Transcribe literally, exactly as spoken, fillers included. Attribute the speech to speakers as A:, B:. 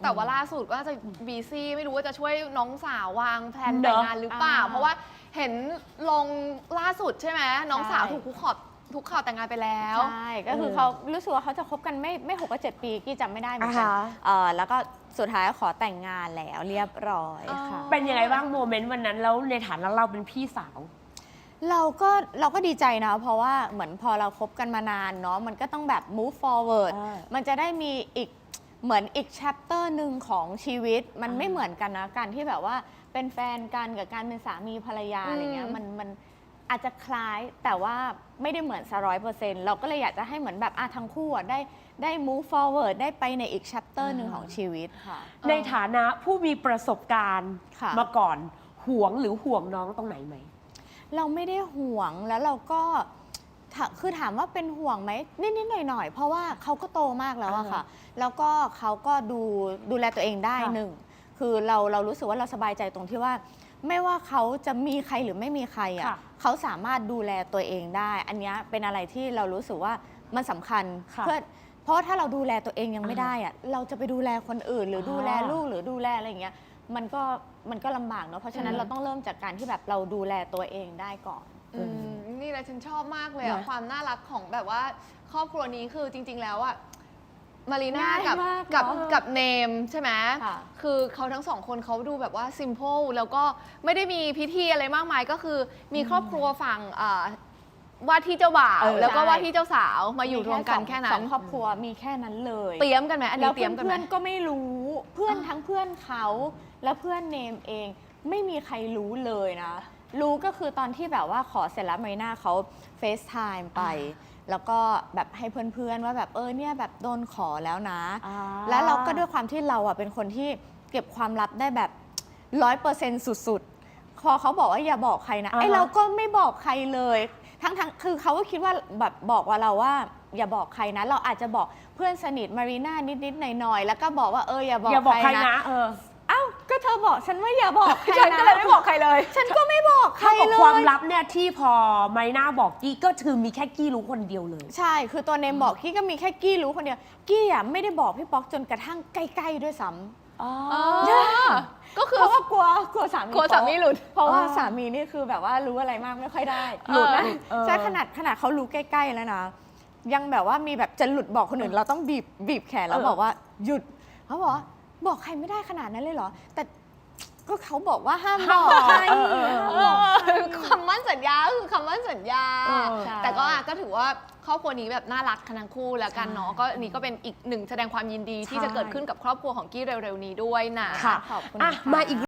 A: แต่ว่าล่าสุดก็จะบีซี่ไม่รู้ว่าจะช่วยน้องสาววางแผนแต่งงานหรือเปล่าเพราะว่าเห็นลงล่าสุดใช่ไหมน้องสาวถูกคุกขอบทุกข่าวแต่งงานไปแล้ว
B: ใช่ก็คือเขารู้สึกว่าเขาจะคบกันไม่ไม่หกก็เจ็ดปีกี้จำไม่ได้เหมือนกันเออแล้วก็สุดท้ายขอแต่งงานแล้วเรียบร้อยค่ะ
C: เป็นยังไงบ้างโมเมนต์วันนั้นแล้วในฐานะเราเป็นพี่สาว
B: เราก็เราก็ดีใจนะเพราะว่าเหมือนพอเราคบกันมานานเนาะมันก็ต้องแบบ move forward มันจะได้มีอีกเหมือนอีก chapter หนึ่งของชีวิตมันไม่เหมือนกันนะการที่แบบว่าเป็นแฟนกันกับการเป็นสามีภรรยาอะไรเงี้ยมันมันอาจจะคล้ายแต่ว่าไม่ได้เหมือนซะร้อยเปอร์เซ็นต์เราก็เลยอยากจะให้เหมือนแบบอ่ะทั้งคู่ได้ได้ move forward ได้ไปในอีก chapter หนึ่งของชีวิตค่ะ
C: ในฐานะผู้มีประสบการณ์มาก่อนห่วงหรือห่วงน้องตรงไหนไหม
B: เราไม่ได้ห่วงแล้วเราก็คือถามว่าเป็นห่วงไหมนิดๆหน่อยๆเพราะว่าเขาก็โตมากแล้วอะค่ะแล้วก็เขาก็ดูดูแลตัวเองได้หนึ่งคือเราเรารู้สึกว่าเราสบายใจตรงที่ว่าไม่ว่าเขาจะมีใครหรือไม่มีใครอะเขาสามารถดูแลตัวเองได้อันนี้เป็นอะไรที่เรารู้สึกว่ามันสำคัญเพื่อเพราะถ้าเราดูแลตัวเองยังไม่ได้อะเราจะไปดูแลคนอื่นหรือดูแลลูกหรือดูแลอะไรอย่างเงี้ยมันก็มันก็ลำบากเนาะเพราะฉะนั้นเราต้องเริ่มจากการที่แบบเราดูแลตัวเองได้ก่อน
A: นี่แหละฉันชอบมากเลยอะความน่ารักของแบบว่าครอบครัวนี้คือจริงๆแล้วอะมารีน่ากับกับกับเนมใช่ไหมคือเขาทั้งสองคนเขาดูแบบว่าซิมเ l ิลแล้วก็ไม่ได้มีพิธีอะไรมากมายก็คือมีครอบครัวฝั่งว่าที่เจ้าบ่าวแล้วก็ว่าที่เจ้าสาวมาอยู่รวมกันแค่นั้น
B: สองครอบครัวมีแค่นั้นเลย
A: เตรียมกันไหมอันนี้เตรียมกันไหม
B: เพื่อนก็ไม่รู้เพื่อนทั้งเพื่อนเขาและเพื่อนเนมเองไม่มีใครรู้เลยนะรู้ก็คือตอนที่แบบว่าขอเสร็จแล้วมารีน่าเขาเฟซไทม์ไปแล้วก็แบบให้เพื่อนๆว่าแบบเออเนี่ยแบบโดนขอแล้วนะแล้วเราก็ด้วยความที่เราอ่ะเป็นคนที่เก็บความลับได้แบบร้อยเปอร์เซ็นต์สุดๆพอเขาบอกว่าอย่าบอกใครนะไอเราก็ไม่บอกใครเลยทั้งๆคือเขาก็คิดว่าแบบบอกว่าเราว่าอย่าบอกใครนะเราอาจจะบอกเพื่อนสนิทมารีน่านิดๆหน่อยๆแล้วก็บอกว่าเอออย่าบอกใครนะเอออ้าวก็เธอบอกฉันว่าอย่าบอกใครนะ
A: ฉันก็เลยไม่บอกใครเลย
B: ฉันก็ไม่บอกใครเลย
C: ความลับเนี่ยที่พอมารีน่าบอกกี้ก็คือมีแค่กี้รู้คนเดียวเลย
B: ใช่คือตัวเนมบอกกี้ก็มีแค่กี้รู้คนเดียวกี้อ่ะไม่ได้บอกพี่ป๊อกจนกระทั่งใกล้ๆด้วยซ้ำอ๋อก็คือเพราะว่ากลัวกลัวสามี
A: กลัวสามีหลุด
B: เพราะว่าสามีนี่คือแบบว่ารู้อะไรมากไม่ค่อยได้หลุดนะใช่ขนาดขนาดเขารู้ใกล้ๆแล้วนะยังแบบว่ามีแบบจะหลุดบอกคนอื่นเราต้องบีบบีบแขนแล้วบอกว่าหยุดเขาบอกบอกใครไม่ได้ขนาดนั้นเลยเหรอแต่ก็เขาบอกว่าห้ามบอกใคร
A: คำมั่นสัญญาคือคำมั่นสัญญาแต่ก็ก็ถือว่าครอบครัวนี้แบบน่ารักทั้งคู่แล้วกันเนาะก็นี่ก็เป็นอีกหนึ่งแสดงความยินดีที่จะเกิดขึ้นกับครอบครัวของกี้เร็วๆนี้ด้วยนะ
B: ขอบคุณมาอีก